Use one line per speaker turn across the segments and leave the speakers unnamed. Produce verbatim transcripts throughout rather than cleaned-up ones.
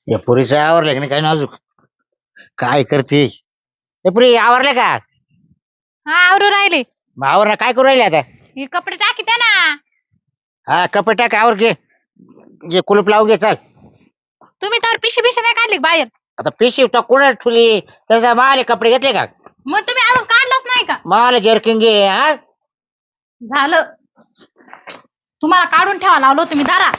या पुरीचं आवरलं की नाही काय नाजूक काय करते ए पुरी आवरले का
हा आवरू राहिले.
मग आवरला काय करू राहिले आता
हे कपडे टाकी द्या ना.
हा कपडे टाक आवर घे जे कुलूप लावून घे चल
तुम्ही तर पिशी पिशी नाही काढली बाहेर.
आता पिशी तो कुठे ठुली त्याचा माले कपडे घेतले का
मग तुम्ही अजून काढलंच नाही का?
माले जर्किंग घे हा
झालं तुम्हाला काढून ठेवा लावलो तुम्ही दारा.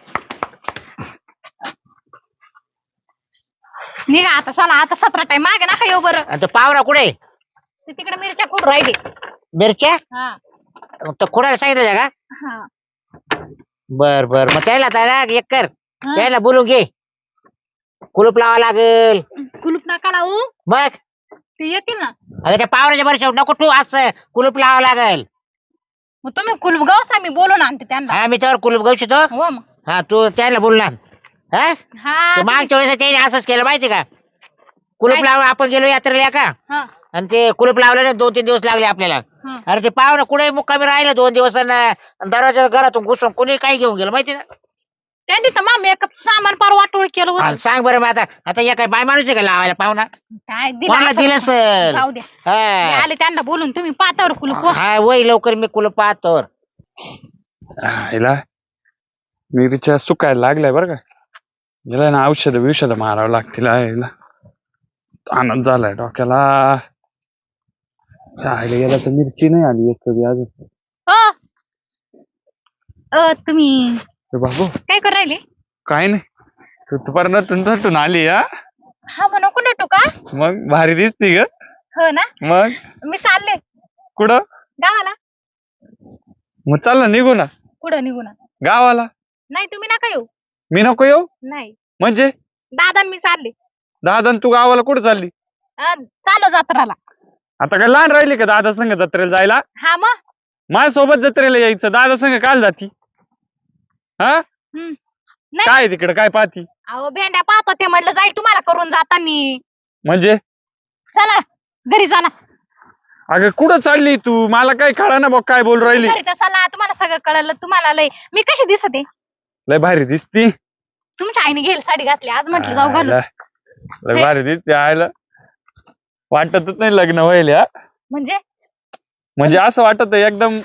निघा आता चला आता सतरा टाइम मागे नका येऊ बरं.
आणि तो पावरा कुठे
ते तिकडे मिरच्या कुठं राहिले.
मिरच्या
हा
तो कुणाला सांगितलं का
हा
बर बर मग त्याला त्याला एक कर
हा.
त्याला बोलून घे कुलूप लावा लागेल
कुलूप नका लावू
मग
ते येतील ना.
अरे त्या पावराच्या वर्षावर नको तू असं कुलूप लावा लागेल
मग तुम्ही कुलूप गवसा मी बोलून आणते त्यांना.
हा मी त्यावर कुलूप घेऊ शकतो
हो मग
हा तू त्याला बोलणार हा
हा
ते मागच्या वेळेस त्याने असंच केलं माहिती का कुलूप
काय?
लावून आपण गेलो यात्रेला का
हा
आणि ते कुलूप लावलं नाही दोन तीन दिवस लागले आपल्याला
हा
अरे ते पाहुणं कुठे मुक्कामी राहिलं दोन दिवस दरवाजा घरातून घुसून कोणी काही घेऊन गेलं माहिती ना
त्यांनी तर मग मेकअप सामान पार वाटोळ केलं होतं.
आणि सांग बरं मग आता आता या काय बाय माणूस आहे का लावायला पाहुणा
काय
कोणाला
दिलं
दिलं
असं?
सर
जाऊ द्या मी
हा
आले त्यांना बोलून तुम्ही पातावर कुलूप.
हा, वय लवकर मी कुलूप पाहतो
हिला मिरच्या सुकायला लागलाय बरं का हिला ना औषध बिषध मारावं लागतील हिला आनंद झालाय डोक्याला राहायला गेला तर मिरची नाही आली एक कधी अजून.
अ अ, तुम्ही
ए बाबू
काय करू राहिले?
काय नाही तू तू पर नटून नटून आली हा
हा म्हणू कुठे टू का?
मग भारी दिसती ग
हो ना
मग
मी चालले
कुठं
गावाला.
मग चाल ना निघू ना
कुठं निघू ना?
गावाला.
नाही तुम्ही नका येऊ.
मी नको येऊ
नाही
म्हणजे
दादा आणि मी चालले.
दादा तू गावाला कुठं चालली
अ, चालो जत्राला.
आता काय लहान राहिली का दादा संग जत्रेला जायला
हा मग
माझ्यासोबत जत्रेला यायचं दादा संग काल जाती हा
हम्म. नाही
काय तिकडे काय पाहती
अहो भेंड्या पाहतो ते म्हटलं जाईल तुम्हाला करून जातानी.
म्हणजे
चला घरी जा ना.
अगं कुठं चालली तू मला काय कळा ना बघ काय बोल राहिली
घरी तर चला तुम्हाला सगळं कळलं. तुम्हाला लय मी कशी दिसते?
लय भारी दिसती
तुमच्या आईने घेईल साडी घातली आज म्हटलं जाऊ घालू.
आयला, लय भारी दिसती आयला वाटतच नाही लग्न व्हायला हा.
म्हणजे
म्हणजे असं वाटत एकदम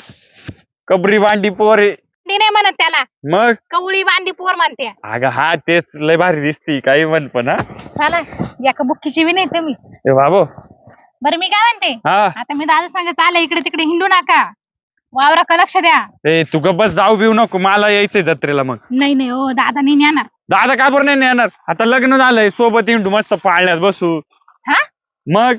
कबरी बांडी पोरे
ती नाही म्हणत त्याला
मग
कवळी बांधी पोर म्हणते.
अगं हा तेच लय भारी दिसती काही म्हण पण हा
चला एका बुक्कीची बी नाही तुम्ही.
ए बाबू
बरं मी काय म्हणते
हा
आता मी दादा सांग चालय इकडे तिकडे हिंडू नका वावरा का लक्ष द्या.
ए तू ग बस जाऊ बिऊ नको मला यायचंय जत्रेला मग
नाही नाही हो दादा नाही नेणार.
दादा का बरं नाही येणार आता लग्न झालंय सोबत हिंडू मस्त पाळण्यात बसू
हा
मग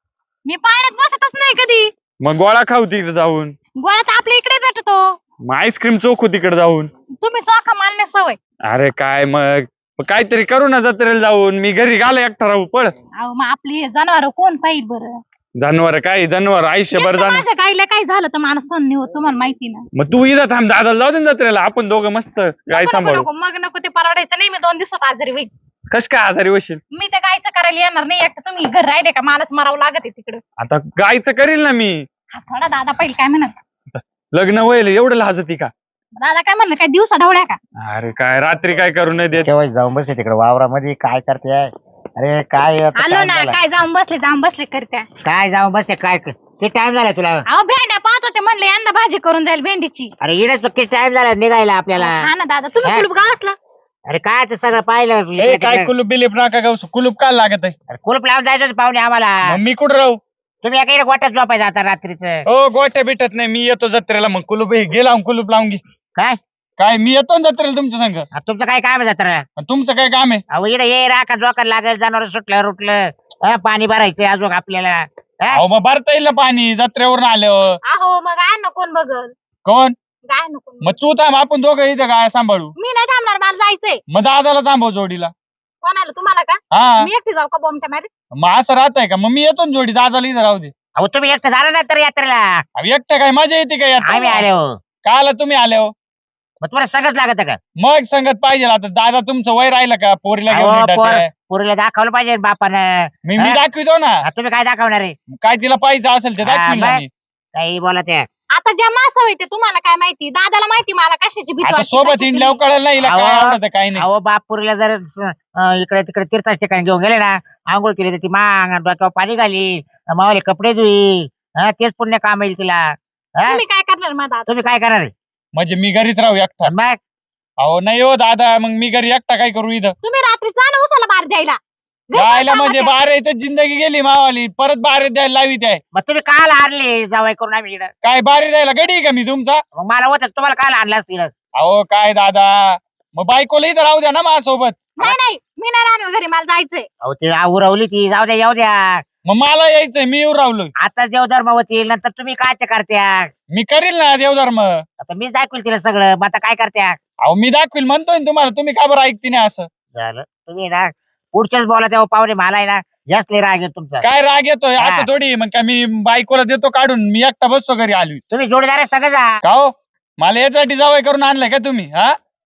मी पाण्यात बसतच नाही कधी.
मग गोळा खाऊ तिकडे जाऊन
गोळा तर आपल्या इकडे भेटतो.
मग आईस्क्रीम चोखू तिकडे जाऊन
तुम्ही चोखा मारण्यास सवय.
अरे काय मग मग काहीतरी करू ना जत्रेला जाऊन मी घरी गाला एकटा राहू पळ
अहो मग आपली जनावर कोण पाहिजे बरं?
जनावर काय जनावर आयुष्यभर
एकटं
जाणार
माझ्या गाईला काय झालं तर मला सण नाही होत तुम्हाला माहिती ना.
मग तू इथं थांब दादाला जाऊ दे ना जत्रेला आपण दोघं मस्त गाय
नको, नको,
सांभाळू
नको, मग नको ते परवडायचं नाही. मी दोन दिवसात आजारी होईल.
कस काय आजारी होशील
मी त्या गायचं करायला येणार नाही. एकटं तुम्ही घर राहिले का मलाच मरावं लागत आहे तिकडं.
आता गायचं करील ना मी
हा सोडा दादा पहिले काय म्हणत
लग्न होईल एवढं लाजती का
दादा काय म्हणलं काय दिवसा ढवळ्या का?
अरे काय रात्री काय करू नाही देत
केव्हा जाऊन बसले तिकडे वावरामध्ये काय करते अरे काय आता
आलो
time
ना
झाला.
काय जाऊन बसले जाऊन बसले करत्या.
काय जाऊन बसते काय किती टाइम झाला तुला
अहो भेंड्या पाहत होते म्हणले यांना भाजी करून जाईल भेंडीची.
अरे इकडेच किती टाइम झाला निघायला आपल्याला
हा ना दादा तुम्ही
हा?
कुलूप गाव असला
अरे काय ते सगळं पाहिलं
ए
इकडे
काय
तिकडे.
कुलूप बिलीप नका गाऊ कुलूप काय लागत आहे
अरे कुलूप लावून जायचं होतं पाहुणे आम्हाला
मग मी कुठं राहू
तुम्ही एका इकडे गोट्यात झोपायचं आता रात्रीचं
हो गोट्या भेटत नाही मी येतो जत्रेला मग कुलूप हे गे लावून कुलूप लावून घे
काय
काय मी येतो ना जत्रेला तुमच्या संग
आ, तुमचं काय काम आहे जत्रा
आणि तुमचं काय काम आहे
अहो इकडे ये राखा जोकर लागेल जनावर सुटलं रुटलं हा, पाणी भरायचं अजून आपल्याला हा?
अहो मग भरता येईल ना पाणी जत्रेवरून आल्यावर
अहो मग काय ना कोण बघल
कोण
काय नको.
मग तू थांब आपण दोघं इथं काय सांभाळू
मी नाही थांबणार मला जायचंय.
मग दादाला थांबव जोडीला
कोणाला तुम्हाला का?
हा
मी एकटी जाऊ का बोमट्या मारी?
मग असं राहतंय का मग मी येतो ना जोडी दादाला इथं राहू दे
अहो तुम्ही एकटं झालं ना तर यात्रेला
अहो, एकटं काय मजा येते का
आम्ही
यात
आले हो
का आला तुम्ही आले हो
मग तुम्हाला सगळंच लागत का
मग संगत पाहिजे आता दादा तुमचं वय राहिलं का पोरीला घेऊन
अहो,
हिंडायचं
पोर-
आहे.
पोरीला दाखवलं पाहिजे बापानं
मी मी
हा?
दाखवितो ना
आ, तुम्ही काय दाखवणार आहे
काय तिला पाहिजे असेल ते
हा,
दाखवील ना
मग?
मी.
काही बोला त्या
आता ज्या मासा होते तुम्हाला काय माहिती, दादाला माहिती मला कशाची भीती
आता
वाटते,
सोबत
कशाची
इंडल्यावर
नाही.
कळलं नाही हिला काय
अहो,
आवडतं काय नाही.
अहो बापूरला जर अं, इकडे तिकडे तीर्थाच्या ठिकाणी घेऊन गेले ना, आंघोळ केली तर ती मांग आणि डोक्यावर पाणी घाली, मावाले कपडे धुई, हा तेच पुण्य काम येईल तिला. हा?
तुम्ही काय करणार मग दादा?
तुम्ही काय करणार आहे?
म्हणजे मी घरीच राहू एकटा?
मग
अहो नाही हो दादा, मग मी घरी एकटा काय करू इथं?
तुम्ही रात्री जा ना उसाला बाहेर द्यायला. घरी
जायला
काय
म्हणजे
कामात आहे?
बारा इथं जिंदगी गेली मावाली, परत बारे द्यायला लावी आहे.
मग तुम्ही काल आणले जावाई करून आम्ही इकडं?
काय बारी द्यायला गडी आहे का मी तुमचा?
मग मला होत तुम्हाला काल आणलं असतील.
अहो काय दादा, मग बायकोला इथं राहू द्या ना माझ्यासोबत.
नाही नाही, मी नाही राहणार घरी, मला जायचंय.
अहो ते उरवली ती, जाऊ द्या येऊ द्या.
मग मला यायचंय, मी येऊ राहिलो.
आता देवधर्म होतील, नंतर तुम्ही काय ते करत्या?
मी करील ना देवधर्म.
आता मी दाखवेल तिला सगळं, मग आता काय करत्या?
अहो मी दाखवील म्हणतोय ना तुम्हाला, तुम्ही का बरं ऐकते नाही असं?
झालं तुम्ही ना पुढच्याच बोला तेव्हा पाहुणे मला आहे ना जास्त लय राग येतो तुमचा.
काय राग येतोय
हा.
असं थोडी, मग का मी बायकोला देतो काढून, मी एकटा बसतो घरी आली
तुम्ही जोडीदार आहे सगळं जा.
का हो? मला यासाठी जावं करून आणलंय का तुम्ही? हा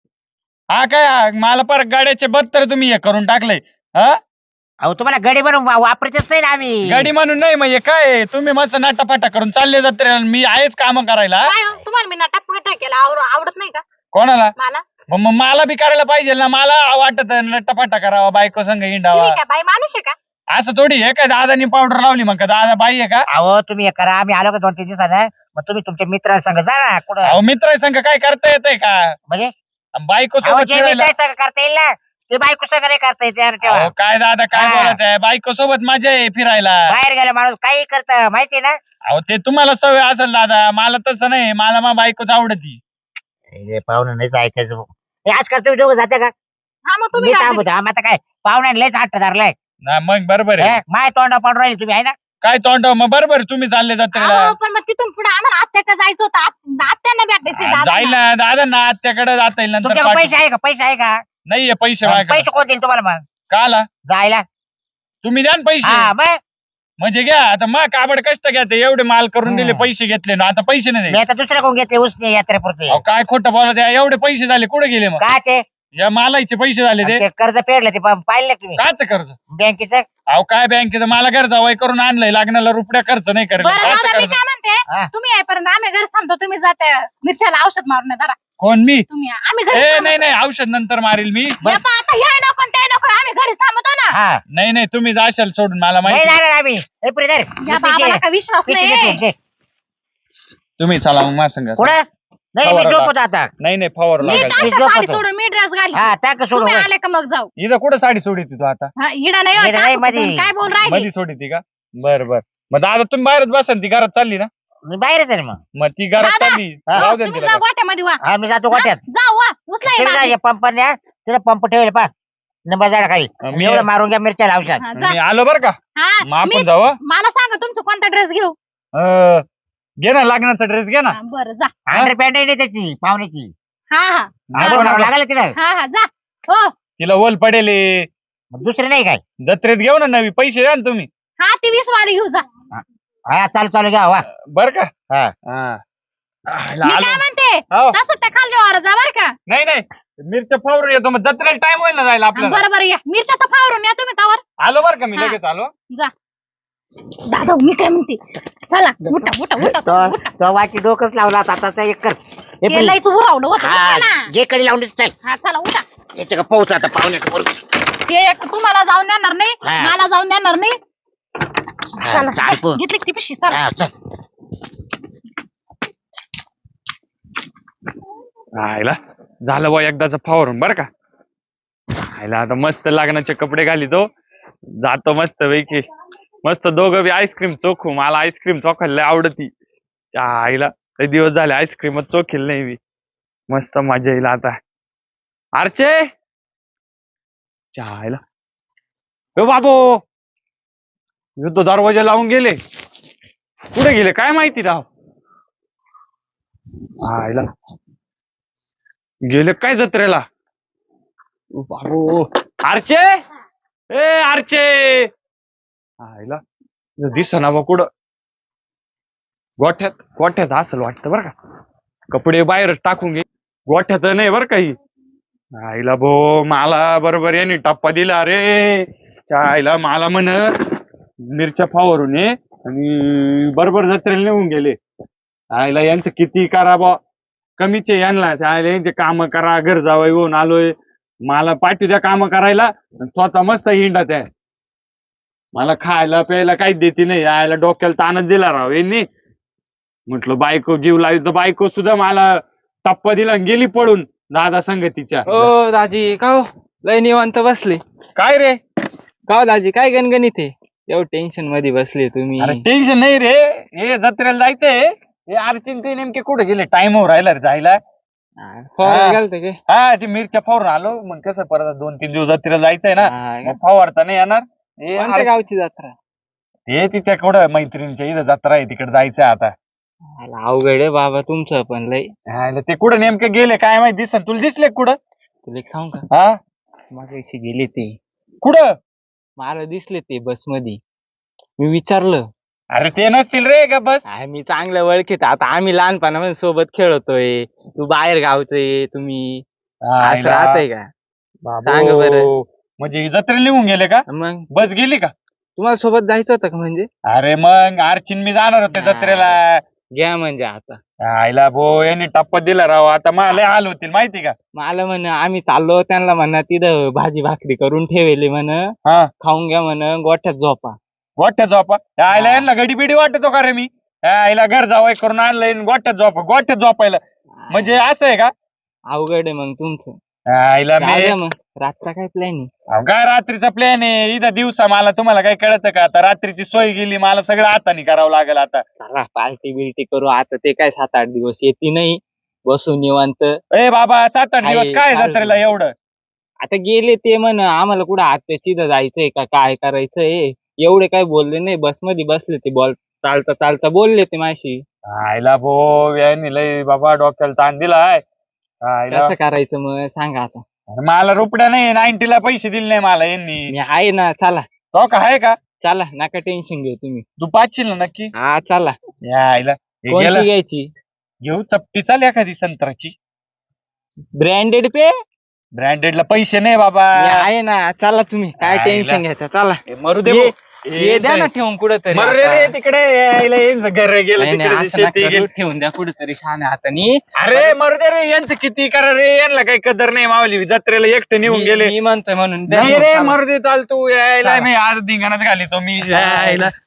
हा काय मला परत गाड्याचे बत्तर तुम्ही हे करून टाकलंय. हा
अहो तुम्हाला गडी बनवून वा- वापरतच नाही ना आम्ही.
गाडी म्हणून नाही, मग हे काय तुम्ही मस्त नाटापाटा करून चालले जाते, मी आहेच काम करायला.
काय हो, तुम्हाला मी नटापटा केला आवर- आवडत नाही का
कोणाला?
मला?
मग मग मला बी करायला पाहिजे ना, मला वाटत नटापाटा करावा, बायको संग हिंडावा.
तुम्ही काय बाई माणूस आहे का?
असं थोडी आहे काय दादानी पावडर लावली मग का दादा बाई आहे का?
अहो तुम्ही हे करा, आम्ही आलो का दोन तीन दिवसानं, मग तुम्ही तुमच्या मित्रांसंग जा ना कुठं.
अहो मित्र संग काय करता येतंय का?
म्हणजे
बायको
अहो
सोबत
जे
फिरायला.
मित्रांसंग करता येईल ना ते बायको संग नाही करता येते यार तेव्हा.
अहो, काय दादा काय
हा.
बोलत आहे, बायको सोबत मजा आहे फिरायला.
बाहेर गेला माणूस काही करत माहितीये ना.
अहो ते तुम्हाला सवय असेल दादा, मला तसं नाही, मला मा बायकोच आवडती.
पाहुणं नाहीच ऐकायचं. हे आजकाल तुम्ही दोघं जाते का?
हा मग तुम्ही
मी
काय
थांबतो आम्ही आता काय पाहुण्याने लयच हट्ट धरलाय.
ना मग बरोबर आहे.
हे, माय तोंडा पाडून राहिले तुम्ही आहे ना.
काय तोंड मग बरोबर आहे, तुम्ही चालले जाते
अहो, पण मग तिथून पुढे आम्हाला आत्याकडे जायचं होतं. आत- आत्यांना भेटायचं
जाईल
दादा.
ना दादा ना आत्याकडे जाता येईल नंतर
तुमच्याकडे
पाठी-
पैसे आहे का? पैसे आहे का?
नाहीये पैसे माझ्याकडे.
पैसे कोण देईल तुम्हाला मग
काला
जायला?
तुम्ही द्या ना पैसे.
हा मग
म्हणजे घ्या आता, मग काबड कष्ट घ्या, ते एवढे माल करून दिले,
हम्म.
पैसे घेतले ना, आता पैसे नाही
मी
द्यायचे.
आता दुसऱ्या कोण घेतले उसने यात्रेपुरते.
अहो, काय खोटं बोलत आहे, एवढे पैसे झाले कुठे गेले मग?
काचे
या मालाचे पैसे झाले ते.
ते कर्ज फेडलं ते पा- पाहिलं का तुम्ही
काच कर्ज?
बँकेचं?
अहो काय बँकेचं मला घर जावाय करून आणलंय, लागण्याला रुपया खर्च नाही करेल.
बरं
काचं
दादा मी
कर्ज?
काय म्हणते,
हा.
तुम्ही यायपर्यंत आम्ही घरी थांबतो, तुम्ही जाते मिरच्याला औषध मारून या जरा.
कोण मी?
तुम्ही या. आम्ही घरी
ए नाही नाही, औषध नंतर मारील मी.
आता हे नको आणि ते नको, आम्ही घरीच थांबतो ना.
हा
नाही नाही, तुम्ही जाशाल सोडून, मला
नाही
माहिती.
जाणार आम्ही. ए, पुढे धर.
या बाबाला का विश्वास
पिशवी
नाही.
घेतली, घे.
तुम्ही चला मग माझ्या संग.
कुठं? नाही मी
फवारा
झोपतो आता.
नाही नाही, फवार
मी
लागायचं.
टाकतो
झोपतो.
साडी सोडून मी ड्रेस घाली.
हा टाक सोडून
तुम्ही
होय.
आले का मग जाऊ.
इथं कुठं साडी सोडी तू आता?
हा, इडा नाही हो,
इडा नाही,
टाकू
मधी.
कुठून. काय बोल राहिले.
मध्ये सोडी ती का? बर बर. मग दादा तुम्ही बाहेरच बसा ना, ती घरात चालली ना.
मी बाहेरच आहे ना मग.
मग ती घरात
दादा,
चालली,
हा,
राहू दे ना
तुम्ही
तिला.
जा गोठ्यामध्ये वा.
हा मी जातो गोट्यात.
हा, जाऊ वा उचला हे बाजरी.
पंप न्या तिला पंप ठेवले पा नंबर झाड खाली.
मी-
एवढं मारून घ्या मिरच्या औषध.
हा, जा.
मी आलो बर का,
हा,
मग
मी-
आपण जाऊ. हं?
मला सांगा तुमचं कोणता ड्रेस घेऊ.
अं, घे ना लागण्याचा ड्रेस घे ना.
हा, बरं जा.
अंडर पॅन्ट नाही त्याची पाहुण्याची.
हा हा
नको, नको.
लागलं तिला.
हा हा जा. हो
तिला ओल पडेल.
मग दुसरे नाही काय?
जत्रेत घेऊ ना नवी, पैसे द्या ना तुम्ही.
हा ती वीस वाली घेऊ जा.
हा चालू चालू घ्या वा.
बर का?
हा.
हा.
मी
आलो.
काय म्हणते
हो.
तसं त्या खाली वर जा बर का.
नाही नाही, मिरच्या फावरून येतो, मग जत्रेला टाइम होईल ना जायला आपल्याला.
बरं बरं या मिरच्या तर फावरून या तुम्ही त्यावर.
आलो बर का, मी
हा.
लगेच आलो.
जा. दादा मी काय म्हणते, चला उठा उठा उठा
तो
उठा.
तो वाटी डोकंच लावला आता आता एक कर. हे
ते
पण-
लयच उरावलं होतं
हा
ना.
जे कडे लावून चल.
हा चला उठा.
याच्या का पाऊस आता पाहुण्याच्या बरोबर.
ते एक तुम्हाला जाऊन देणार नाही,
हा.
मला जाऊन देणार नाही.
हा,
चला
चाल पो.
घेतली की ती पिशवी चला.
हा, चल.
आयला झालं बा एकदाच फावरून बर का. आयला आता मस्त लागण्याचे कपडे घालितो, जातो मस्त पैकी. मस्त दोघं बी आईस्क्रीम चोखू, मला आईस्क्रीम चोखायला लय आवडती. त्या आईला लय दिवस झाले आईस्क्रीमच चोखेल नाही मी. मस्त मजा येईल आता. आरचे त्या आईला ए बाबो, युद्ध दरवाजा लावून गेले, कुठे गेले काय माहिती राव. आईला गेले काय जत्रेला. ओ बाबो, आरचे ए आरचे. आईला दिसना बा कुठं. गोठ्यात गोठ्यात असेल वाटतं बरं का. कपडे बाहेर टाकून घे, गोठ्यात नाही बरं काही. आईला भो, मला बरोबर याने टप्पा दिला रे. च्या आईला मला म्हण मिरच्या फावरून ये आणि बरोबर जत्रेला नेऊन गेले. आईला यांचं किती करा बा कमीच आहे यांना आईला यांचे काम करा घर जावं येऊन आलोय मला पाठी द्या काम करायला स्वतः मस्त हिंडत आहे मला खायला प्यायला काहीच देते नाही आईला डोक्याला ताणच दिला राव यांनी म्हटलं बायको जीव लावी तर बायको सुद्धा मला टप्पा दिला आणि गेली पळून दादा संगतीच्या
ओ दाजी का हो लय निवांत बसले
काय रे
का हो दाजी काय गणगणित आहे एवढं टेन्शन मध्ये बसले तुम्ही
अरे टेन्शन नाही रे हे जत्रेला जायचंय हे अर्चिन ते नेमके कुठे गेले टाइमवर राहिला रे जायला
फवारा गेलते काय
हा ते मिरच्या फवारून आलो मग कसं परत दोन तीन दिवस जत्रेला जायचंय ना
हा,
मग फवारता नाही येणार हे
कोणत्या
अर्च-
गावची जत्रा
हे तिच्या कुठं मैत्रिणीच्या इथं जत्रा आहे तिकडे जायचंय आता
आला अवघड आहे बाबा तुमचं पण लय
हा, ते कुठं नेमके गेले काय माहिती दिसन तुला दिसले का कुठं
तुला एक सांगू का
हा
मागाशी गेले ते
कुठं
मला दिसले ते बस मध्ये मी विचारलं
अरे ते नसतील रे का बस
आहे मी चांगलं ओळखीत आता आम्ही लहानपणामध्ये सोबत खेळतोय तू बाहेर गावचंय तुम्ही असं राहतंय का सांग बरं.
म्हणजे जत्रेला निघून गेले का
मग
बस गेली का
तुम्हाला सोबत जायचं होतं का म्हणजे
अरे मग अर्चिन मी जाणार होते जत्रेला
घ्या म्हणजे आता
आईला भो यांनी टप्पा दिला राव आता मला लय हाल होतील माहिती का
मला म्हण आम्ही चाललो त्यांना म्हणा तिथं भाजी भाकरी करून ठेवली म्हण
हा
खाऊन घ्या म्हण गोठ्यात झोपा
गोठ्यात झोपा त्या आईला यांना गडी बिडी वाटतो का रे मी त्या आईला घर जावं करून आणलंय आणि गोठ्यात झोपा गोठ्यात झोपायला म्हणजे असं आहे का
अवघड आहे मग तुमचं
त्या आईला
जाऊ
मी
द्या मग रातचा काय प्लॅन आहे
अहो, काय रात्रीचा प्लॅन आहे इथं दिवसा मला तुम्हाला काय कळतं का आता रात्रीची सोय गेली मला सगळं हाताने करावं लागेल आता
चला पार्टी बिर्टी करू आता ते काय सात आठ दिवस येते नाही बसू निवांत
ए बाबा सात आठ
आहे,
दिवस काय
चालेल.
जत्रेला एवढं
आता गेले ते म्हण आम्हाला कुठं आत्याची जायचंय का काय करायचंय एवढे काय बोलले नाही बस मध्ये बसले ते बोल चालता चालता बोलले ते माशी
आईला भो यांनी लय बाबा डोक्याला ताण दिलाय आईला
कसं करायचं मग सांगा आता
अरे मला रुपड्या नाही नाईन्टीला पैसे दिले नाही मला यांनी
मी आहे ना चला
तो का आहे का
चला नका टेन्शन घेऊ तुम्ही
तू पाचशील ना नक्की
हा चला
या आईला हे
कोणती
गेलं
घ्यायची
घेऊ चपटी चाल एखादी संत्राची
ब्रँडेड पे
ब्रँडेडला पैसे नाही बाबा
मी आहे ना चला तुम्ही काय
आईला.
टेन्शन घेता चला
हे मरू दे
ये-
भाऊ.
ये द्या ना ठेवून कुठं
मरू दे रे तिकडे यायला येईन घर गेलं तिकडे शेती गेली
ठेवून द्या कुठेतरी छान हातानी
अरे मरू दे रे यांचं किती करा रे यांना काही कदर नाही मावली जत्रेला एकटे निघून
मी-
गेले
मी म्हणतोय म्हणून द्या
नाही
ठेवून,
रे
चला.
मरू दे चाल तू यायला
चला.
मी आज धिंगाणाच घाली तो मी यायला